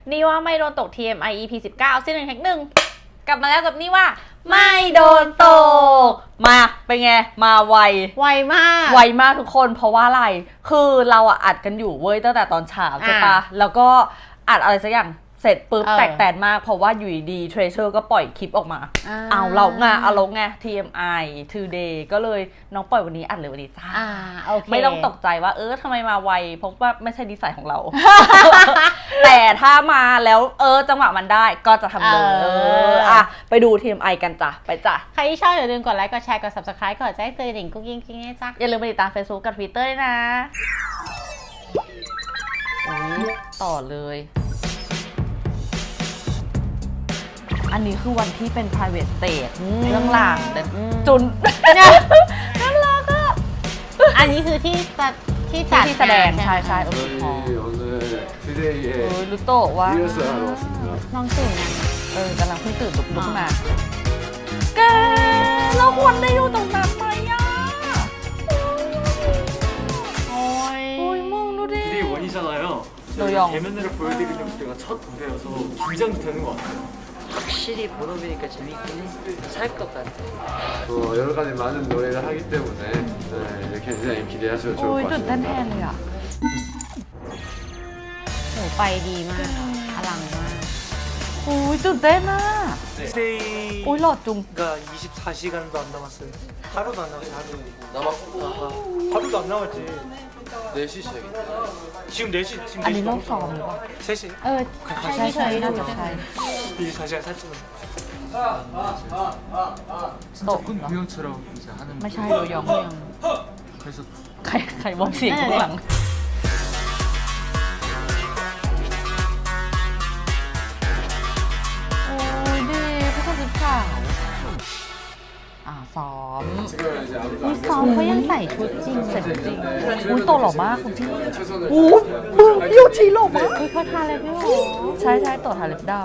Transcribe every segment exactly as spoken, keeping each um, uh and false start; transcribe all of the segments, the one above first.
นี่ว่าไม่โดนตก ที เอ็ม ไอ อี พี สิบเก้าซีซั่นหนึ่งแท็กหนึ่งกลับมาแล้วกับนี่ว่าไม่โดนตกมาเป็นไงมาไวไวมากไวมากทุกคนเพราะว่าอะไรคือเราอะอัดกันอยู่เว้ยตั้งแต่ตอนเช้าใช่ปะแล้วก็อัดอะไรสักอย่างเสร็จปุ๊บแตกแตนมากเพราะว่าอยู่ดีเทรเชอร์ก็ปล่อยคลิปออกมาเอาเราไงเอาลงไง ที เอ็ม ไอ Today ก็เลยน้องปล่อยวันนี้อัดเลยวันนี้จ้าไม่ต้องตกใจว่าเออทำไมมาไวเพราะว่าไม่ใช่ดีไซน์ของเรา แต่ถ้ามาแล้วเออจังหวะมันได้ก็จะทำเลยเอออ่ะไปดู ที เอ็ม ไอ กันจ้ะไปจ้ะใครที่ชอบอย่าลืมกดไลค์กดแชร์กด ซับสไครบ์ กดแจ้งเตือนดิ่งกุ๊กกิ๊งกิ๊งให้จ้ะอย่าลืมไปติดตาม Facebook กับ Twitter ด้วยนะต่อเลยอันนี้คือวันที่เป็น private stage เรื่องหลังจุนน่ารักอ่ะอันนี้คือที่จัดที่จัดที่แสดงใช่ใช่โอ้โหรู้โตว่าน้องตื่นเออกำลังเพิ่งตื่นลุกลุกมาแกเราควรได้อยู่ตรงนั้นไหมอ่ะโอ้ยโอ้ยมึงดูดิ 저희가 대면으로 보여드리려고 때가 첫 무대여서 긴장도 되는 것 같아요. 확실히 본업이니까 재밌긴 해. 살 것 같아. 어, 여러 가지 많은 노래를 하기 때문에 네, 굉장히 기대하셔도 좋을 것 같습니다. ตื่นเต้นแทนเลยอ่ะโหไปดีมากอลังมากโอ้ยตื่นเต้นอ่ะ 스테이가 โอ้ยหลอดจุง 이십사 시간도 안 남았어요. 하루도 안 남았어요. 하루. 남았어? 하루도 안 남았지. 네 시 시작이다. 지금 네 시. 지금 อันนี้ 네 시. รอบสองหรือเปล่า 세 시. เออใช่ใช่น่าจะใช่ 이십사 시간 살찌는. โต 공연처럼 이제 하는. ไม่ใช่โดยอง 그래서 ใครใครมองเสียงข้างหลังโอ้ยดีผู้ชายสีขาวอ่าซ้อมมีซ้อมเขายังใส่ชุดจริงใส่ชุดจริงอุ้ยโตหล่อมากคุณพี่อู้มึงพี่โยชิหล่อมากคือเขาทาอะไรไม่หรอใช่ใช่โตทาเล็บดำ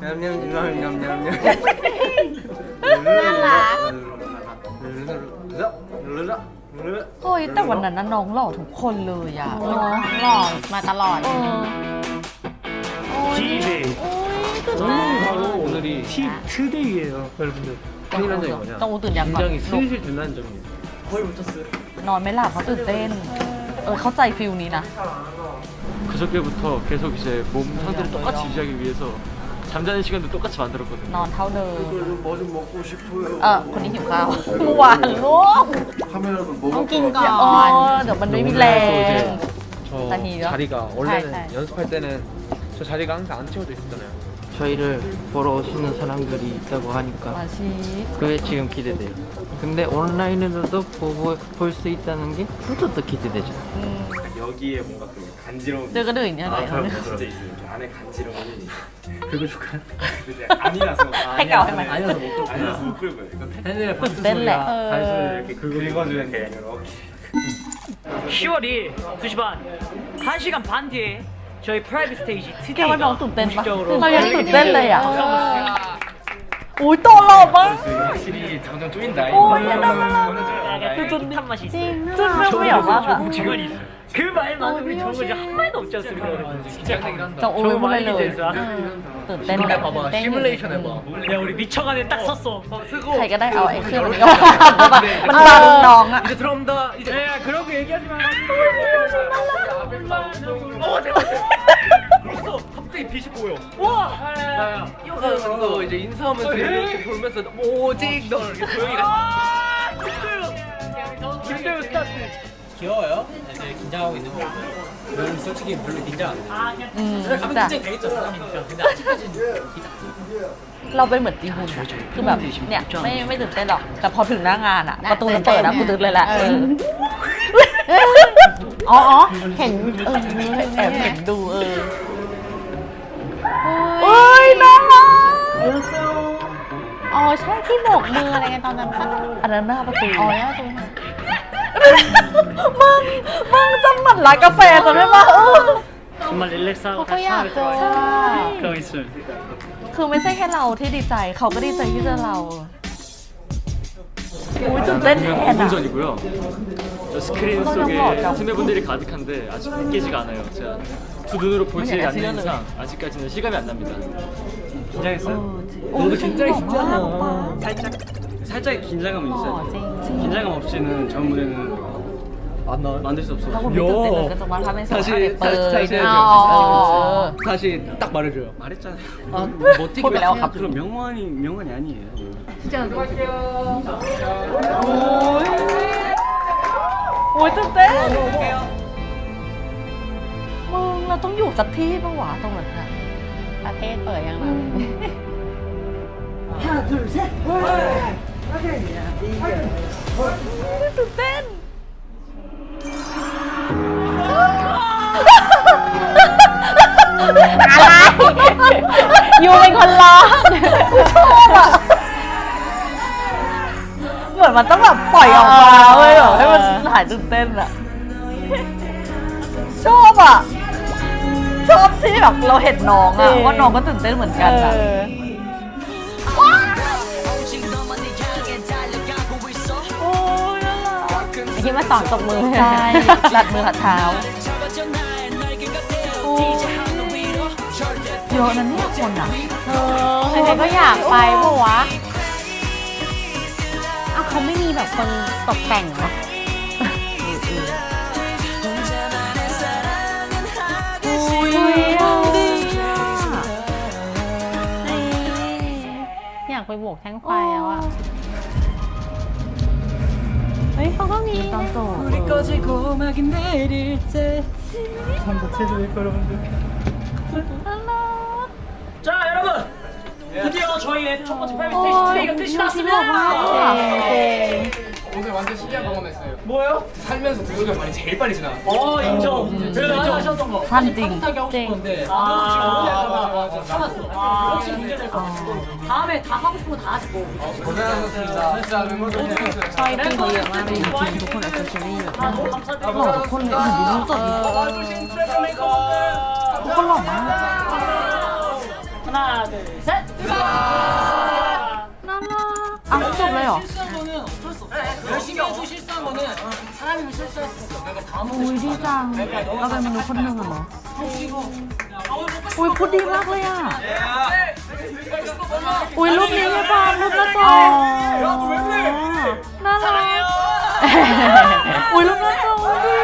น่ารักโอ้ยแต่วันนั้นน่ะน้องหล่อทุกคนเลยอะน้องหล่อมาตลอด 디제이. 바로 오늘이 티 투데이예요, 여러분들. 큰일 난 점이 뭐냐? ต้องตื่นยังก่อน 굉장히 슬슬 빛나는 점이에요. 거의 붙었어요. นอนไม่หลับเพราะตื่นเต้นเออเข้าใจฟิลนี้นะ 그저께부터 계속 이제 몸 상태를 똑같이 유지하기 위해서 잠자는 시간도 똑같이 만들었거든요. นอนเท่าเดิม 뭐 좀 먹고 싶어요. เออคนนี้หิวข้าวหวานลูก 카메라도 뭐 ต้องกินก่ออ๋อน เดี๋ยวมันไม่มีแรง 저 자리가 원래는 연습할 때는 저 자리가 항상 안 채워져 있었잖아요. 저희를 보러 오시는 사람들이 있다고 มา 하니까 ชี 그게 지금 기대돼요. 근데 온라인으로도 볼 수 있다는 게 그것도 또 기대되죠. 여기에 뭔가 그 간지러운 เจอกระดื่นเนี่ยไหน 진짜 있어요. 이렇게 안에 간지러움이 긁어 줄까요? 근데 아니라서 해가 얼마 아니라서 못 긁어요. 아니라서 못 긁어요. 이거 팬들의 박수 땐 소리가 어. 단순히 이렇게 긁어주는 게 이렇게. 시월 이 일 두 시 반 한 시간 반 뒤에 저희 프라이빗 스테이지 แกว่าน้อง 투데이가 ตื่นเต้นปะ 공식적으로 เรายังตื่นเต้นเลยอ่ะอุ้ยโตหล่อมาก 확실히 점점 쪼인다. โอ้ยน่ารัก 약간 쫄깃한 맛이 있어요. จุนไม่ไม่อยากมากอะ 지원이 있어요. 그 말만큼이 좋은 거지 한 마디도 없지 않습니까, 여러분? 진짜 จะโอ้ยไม่ได้เลย 됐어. ตื่นเต้น 근데 봐봐, 시뮬레이션 해봐. 야, 우리 미쳐가네 딱 섰어. 쓰고. ใครก็ได้เอาไอ้เครื่องนี้ออกมันบังน้องอะ 이제 들어옵니다. 이제. 야, 그러고 얘기하지 마. 어, 대박. 그래서 갑자기 빛이 보여. 와! 야야. 이거 이제 인사하면서 이렇게 돌면서 오직 너 이렇게 조용히 가. 김대우 스타트. 귀여워요? 이제 긴장하고 있는 거 보고 저는 솔직히 별로 긴장 안 해요. 음, 가면 나. 긴장 되겠죠 사람이니까. 근데 아직까지는 긴장. เราเป็นเหมือนจีฮุนคือแบบเนี่ยไม่ไม่ตื่นเต้นหรอกแต่พอถึงหน้างานอะประตูมันเปิดแล้วกูตื่นเลยแหละอ๋ออ๋อเห็นเออแอบเห็นดูเออเอ้ยน่ารักอ๋อใช่ที่โบกมืออะไรกันตอนนั้นปะอันนั้นหน้าประตูอ๋อแล้วตรงนั้นมึงมึงจำหมันร้านกาแฟจำได้ปะเออ 정말 릴렉스하고 เขาอยากเจอ 그거 있어요. คือไม่ใช่แค่เราที่ดีใจเขาก็ดีใจที่เจอเราอุ้ยตื่นเต้นแทนอะ 전이고요. 저 스크린 속에 팀의 분들이 가득한데 아직 느끼지가 않아요. 제가 두 눈으로 보지 않는 이상 아직까지는 실감이 안 납니다. 긴장했어요? 너도 긴장했잖아. 살짝 살짝 긴장감은 หล่อ 있어요. จริง 긴장감 없이는 전 무대는 안 나와요? 만들 수 없어. ถ้าคุณไม่ตื่นเต้นเลยก็จะมาทำให้สอง 다시 อะไรเปิด 다시 다시 어. 해야죠. 다시 딱 말해줘요. 말했잖아요. 아, 뭐 어떻게 콜 해요? 그럼 명언이 명언이 아니에요. โอ้ยตื่นเต้นมึงเราต้องอยู่สักที่ปะวะตรงนั้นอะประเทศเปิดยังไงตื่นเต้นอะไรยูเป็นคนร้องเหมือนมันต้องแบบปล่อยออกมาเว้ยแบบให้มันหายตื่นเต้นอะชอบอะชอบที่แบบเราเห็นน้องอะว่าน้องก็ตื่นเต้นเหมือนกันอะ โอ้ยน่ารักที่มาสอนตบมือใช่ลัดมือหัดเท้าโอ้ยเยอะนะเนี่ยคนอะเออใครๆก็อยากไปปะวะอ้าวเขาไม่มีแบบคนตกแต่งเหรออุ้ยอยากไปโบกแท่งไฟแล้วอ่ะ เฮ้ยเขาก็มีตอนจบ 불이 꺼지고 음악이 내릴 때 참고 체조일 여러분들. 자 여러분 드디어 저희의 첫 번째 프라이빗 โอ้ 스테이지 ย 트레이가 끝이 น่าชิมออกมา 났습니다. เจง 오늘 완전 신기한 경험했어요. 뭐예요? 살면서 드로가 많이 제일 빨리 지나. 어 인정. 그래도 하나 하셨던 거. สั้นจริง 따뜻하게 하고 싶었는데 아, 맞아, 맞아. 참았어. 혹시 문제 될것 같고. 다음에 다 하고 싶은 거 다 하시고. 고생하셨습니다. 진짜 멤버들 고생했어요. ซอยปิ้งเขาเยอะมากเลยทุกคนแอคเซสซอรี่เยอะ 아, มาก 너무 หล่อ 감사드리고. ทุกคนเลยดูรูปสดดิทุกคนหล่อมาก 하나, 둘, 셋. น่ารักอ้าวจบเลยเหรอ 실수한 거는 어쩔 수 없어. 열심히 해도 실수한 거는 사람이면 실수할 수 있어. 내가 다 อุ้ยดีจังเราเป็นมนุษย์คนหนึ่งอะเนาะอุ้ยพูดดีมากเลยอะอุ้ยรูปนี้ใช่ปะรูปหน้าจอน่ารักอุ้ยรูปหน้าจอดิ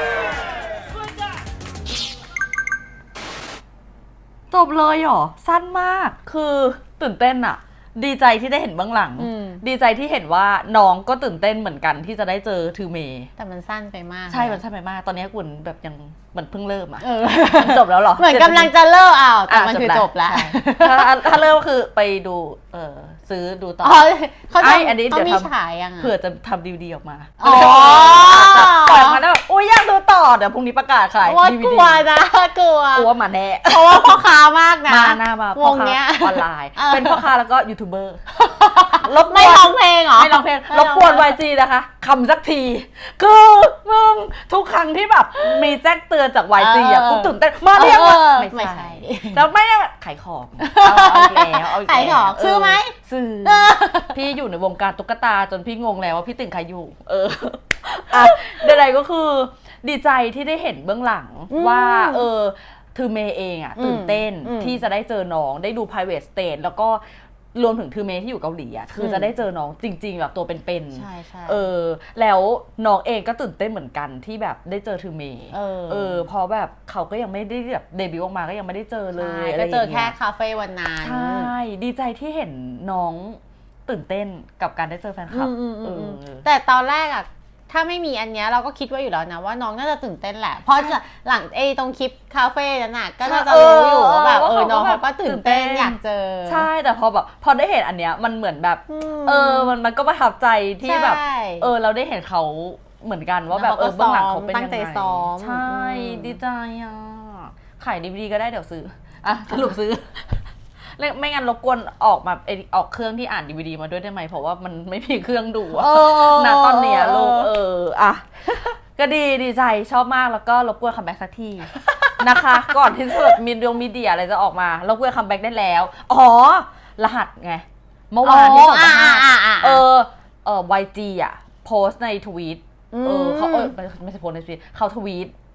จบเลยเหรอสั้นมากคือตื่นเต้นอะดีใจที่ได้เห็นเบื้องหลังอืมดีใจที่เห็นว่าน้องก็ตื่นเต้นเหมือนกันที่จะได้เจอทือเมย์แต่มันสั้นไปมากใช่ มันใช่ไปมาก ตอนนี้กุนแบบยังเหมือนเพิ่งเริ่มอะเออมันจบแล้วเหรอเหมือนกำลังจะเลิกอ้าวแต่อ่ะมันคือจบแล้วใช่ถ้าถ้าเริ่มก็คือไปดู เออซื้อดูต่ออ๋อเขาไอ้จะอันนี้ต้อเดี๋ยวงมีทำฉายยังอ่ะเผื่อจะทำดีวดีออกมาอ๋อปล่อยออกมาแล้วแบบอุ้ยอยากดูต่อ เดี๋ยวพรุ่งนี้ประกาศขายว่าดีกวีลัดีวนะกลัวกลัวมาแน่เพราะว่าพ่อค้ามากนะมาหน้ามาวพ่อง ค้าเนี้ยออนไลน์ออเป็นพ่อค้าแล้วก็ยูทูบเบอร์ รบกวนไม่ร้องเพลงเหรอไม่ร้องเพลงรบกวน วาย จี นะคะคำสักที คือมึงทุกครั้งที่แบบมีแจ้งเตือนจาก วาย จี อ่ะเออกูตื่นเต้นมาเรียกว่าเออไม่ไม่ใช่ใช่แล้วไม่ได้ขายของเอาเอาอีกแล้วเอาอีกแล้วขายของซื้อไหมซื้อเออพี่อยู่ในวงการตุ๊กตาจนพี่งงแล้วว่าพี่ตื่นใครอยู่ เอออ่ะใดๆก็คือดีใจที่ได้เห็นเบื้องหลังอืมว่า เออทือเมย์เองอ่ะตื่นเต้นอืมที่จะได้เจอน้องได้ดู private stage แล้วก็รวมถึงทือเมย์ที่อยู่เกาหลีอ่ะคือจะได้เจอน้องจริง ๆ แบบตัวเป็นๆใช่ใช่เออแล้วน้องเองก็ตื่นเต้นเหมือนกันที่แบบได้เจอทือเมย์เออเออเพราะแบบเขาก็ยังไม่ได้แบบเดบิวต์ออกมาก็ยังไม่ได้เจอเลยใช่อะไรก็อย่างเจเงี้อย แค่คาเฟ่วันนั้นใช่ดีใจที่เห็นน้องตื่นเต้นกับการได้เจอแฟนคลับอืมอืมอืมอืมเออแต่ตอนแรกอะถ้าไม่มีอันเนี้ยเราก็คิดไว้อยู่แล้วนะว่าน้องน่าจะตื่นเต้นแหละ เพราะจะหลังไอ้ตรงคลิปคาเฟ่นั้นน่ะก็น่าจะรู้อยู่ว่าแบบเออน้องเขาก็ตื่นเต้นอยากเจอใช่แต่พอแบบพอได้เห็นอันเนี้ยมันเหมือนแบบอืมเออมันมันก็ประทับใจที่แบบใช่เออเราได้เห็นเขาเหมือนกันว่าแบบเออแล้วเขาก็เบื้องหลังเขาเป็นตั้ยัง งใจไงซ้อมใช่อืมดีใจอ่ะขายดีวีดีก็ได้เดี๋ยวซื้ออ่ะสรุปซื้อ แล้วไม่งั้นรบกวนออกมาเออออกเครื่องที่อ่านดีวีดีมาด้วยได้ไหมเพราะว่ามันไม่มีเครื่องดูอะเออณตอนเนี้ยลูกเอออ่ะก็ดีดีใจชอบมากแล้วก็รบกวนคัมแบ็กสักที นะคะ ก่อนที่จะแบบมีดวงมีเดียอะไรจะออกมารบกวนคัมแบ็กได้แล้ว อ๋อ รหัสไง เมื่อวานที่ส่งมาให้อ่าอ่าอ่าเออเออ วาย จี อ่ะ โพสต์ในทวีตเออเขาเออไม่ไม่ใช่โพสต์ในทวีตเขาทวีต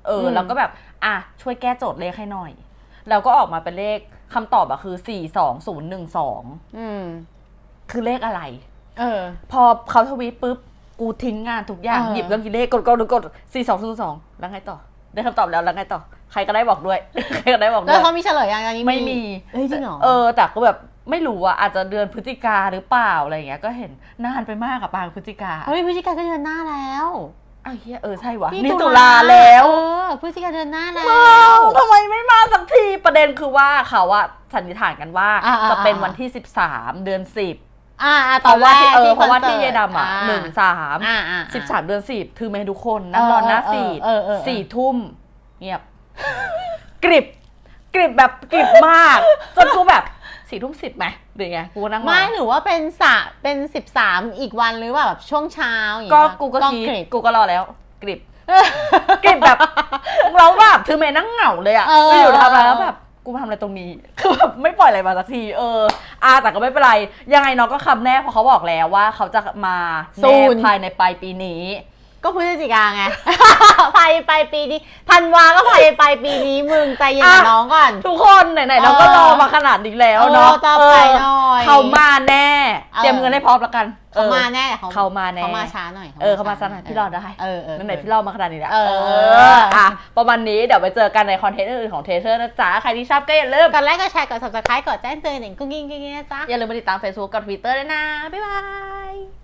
เอออืมแล้วก็แบบอ่ะช่วยแก้โจทย์เลขให้หน่อยแล้วก็ออกมาเป็นเลขคำตอบอะคือสี่สองศูนย์หนึ่งสองอืมคือเลขอะไรเออพอเขาทวีตปุ๊บกูทิ้งงานทุกอย่างเออหยิบเรื่องกินเลขกดกดกดสี่สองศูนย์สองแล้วไงต่อได้คำตอบแล้วแล้วไงต่อใครก็ได้บอกด้วย ใครก็ได้บอกด้แล้ววยเขามีเฉลยยังอันนี้ไม่มีเฮ้ยจริงเหรอเออแต่ก็แบบไม่รู้อะอาจจะเดือนพฤศจิกาหรือเปล่าอะไรอย่างเงี้ยก็เห็นนานไปมากอะปางพฤศจิกาเฮ้ยพฤศจิกาก็เดือนหน้าแล้วอ้าวเฮียเออใช่วะนี่นี่ตุลาแล้วเออพฤศจิกาเดือนหน้าแล้วอ้าวทำไมไม่มาสักทีประเด็นคือว่าเขาอะสันนิษฐานกันว่าอ่าๆๆจะเป็นวันที่สิบสามเดือนสิบอ่าอ่าเพตอนราะแรว่าก ที่เออที่เพราะว่าคอนที่สิเยร์ตดำอะอ่าหนึ่งสามอ่าอ่าสิบสามเดือนสิบคือแม่ทุกคนนั่งรอหน้าฟีดเออเออเออสี่ทุ่มเงียบ กริบกริบแบบกริบมาก จนกูแบบสี่ทุ่มสิบไหมหรือไงกูนั่งรอไม่หรือว่าเป็นสะเป็นสิบสามอีกวันหรือว่าแบบช่วงเช้าอย่างก็เงี้ยกูก็คิดริบกูก็รอแล้ว กริบ กริบแบบเราแบบคือเมย์นั่งเหงาเลยอะเออไปอยู่ทำอะไรแล้วแบบกูมาทำอะไรตรงนี้ คือแบบไม่ปล่อยอะไรมาสักทีเอออาแต่ก็ไม่เป็นไรยังไงน้องก็คำแน่เพราะเขาบอกแล้วว่าเขาจะมาแน่ภายในปลายปีนี้ก็พฤศจิกาไง ภายปลายปีนี้ธันวาก็ภายปลายปีนี้มึงใจเย็นกับอ่ะน้องก่อนทุกคนไหนๆเราก็รอมาขนาดนี้แล้วเนาะเออต่อไปหน่อยเขามาแน่เออเตรียมเงินให้พร้อมแล้วกันเขามาออแน่เขามาแน่เขามาช้าหน่อยเออเขามาช้าหน่อยพี่รอได้เออเออไหนๆพี่รอมาขนาดนี้แล้วเอออ่ะประมาณนี้เดี๋ยวไปเจอกันในคอนเทนต์อื่นๆของเทเชอร์นะจ๊ะใครที่ชอบก็อย่าลืมกดไลค์กดแชร์กด subscribe กดแจ้งเตือนหนึ่งกุ้งกิ้งกิ้งนะจ๊ะอย่าลืมไปติดตาม Facebook กับ Twitter ด้วยนะบ๊ายบาย